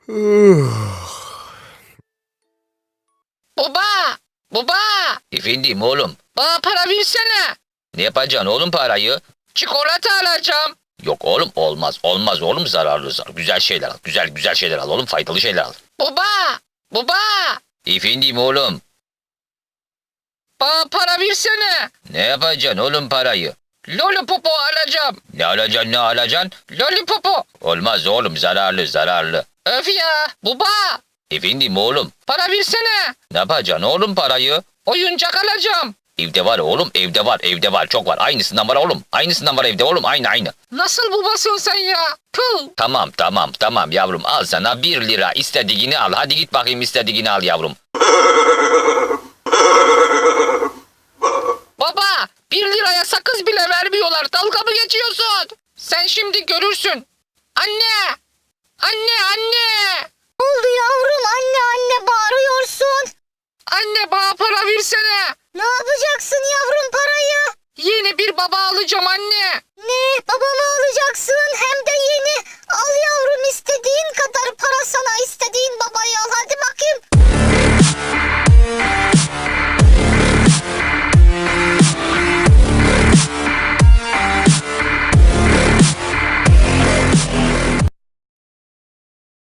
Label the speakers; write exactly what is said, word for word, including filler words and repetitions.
Speaker 1: Baba! Baba!
Speaker 2: Efendim oğlum.
Speaker 1: Bana para versene.
Speaker 2: Ne yapacaksın oğlum parayı?
Speaker 1: Çikolata alacağım.
Speaker 2: Yok oğlum olmaz. Olmaz oğlum zararlı zararlı. Güzel şeyler al. Güzel güzel şeyler al oğlum. Faydalı şeyler al.
Speaker 1: Baba! Baba!
Speaker 2: Efendim oğlum.
Speaker 1: Bana para versene.
Speaker 2: Ne yapacaksın oğlum parayı?
Speaker 1: Lollipopu alacağım.
Speaker 2: Ne alacaksın ne alacaksın?
Speaker 1: Lollipopu.
Speaker 2: Olmaz oğlum zararlı zararlı.
Speaker 1: Öf ya. Baba!
Speaker 2: Efendim oğlum.
Speaker 1: Para versene.
Speaker 2: Ne yapacaksın oğlum parayı?
Speaker 1: Oyuncak alacağım.
Speaker 2: Evde var oğlum evde var evde var çok var. Aynısından var oğlum. Aynısından var evde oğlum aynı aynı.
Speaker 1: Nasıl babasın sen ya? Puh!
Speaker 2: Tamam tamam tamam yavrum al sana bir lira istediğini al. Hadi git bakayım istediğini al yavrum.
Speaker 1: Baba! Bir liraya sakız bile vermiyorlar. Dalga mı geçiyorsun? Sen şimdi görürsün. Anne! Anne anne!
Speaker 3: Ne oldu yavrum? Anne anne bağırıyorsun.
Speaker 1: Anne bana para versene.
Speaker 3: Ne yapacaksın yavrum parayı?
Speaker 1: Yeni bir baba alacağım anne.